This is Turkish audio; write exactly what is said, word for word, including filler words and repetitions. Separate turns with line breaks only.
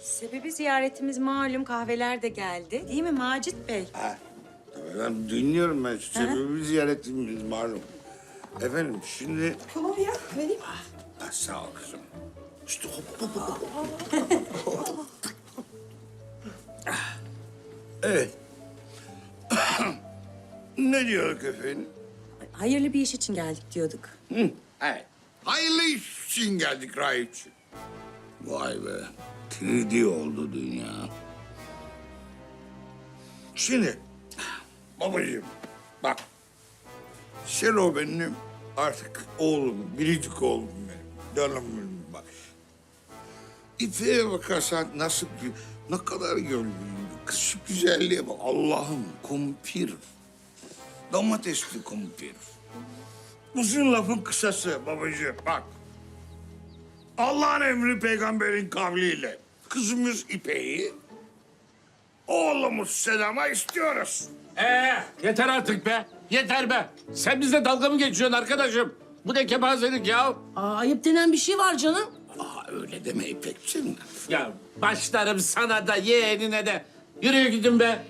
Sebebi ziyaretimiz malum, kahveler de geldi. Değil mi Macit Bey?
Ha, tabii ben dinliyorum ben. Sebebi ziyaretimiz malum. Efendim şimdi...
Tamam ya, vereyim.
Ha, sağ ol kızım. İşte hop hop hop. hop. Ah, evet. Ne diyorduk efendim?
Hayırlı bir iş için geldik diyorduk.
Hı, evet. Hayırlı iş için geldik Raip'ciğim. Vay be. üç D oldu dünya. Şimdi babacığım bak. Sen o benim artık oğlum, biricik oğlum benim. Canım benim bak. İpeğe bakarsan nasıl, gü- ne kadar gönlüm. Kız şu güzelliğe bak. Allah'ım kumpir. Domatesli kumpir. Uzun lafın kısası babacığım bak. Allah'ın emri peygamberin kavliyle kızımız İpek'i, oğlumuz Selam'a istiyoruz.
Ee, yeter artık be. Yeter be. Sen bizle dalga mı geçiyorsun arkadaşım? Bu ne kepazelik ya?
Aa, ayıp denen bir şey var canım.
Aa öyle deme İpek'ciğim.
Ya başlarım sana da yeğenine de. Yürüyün gidin be.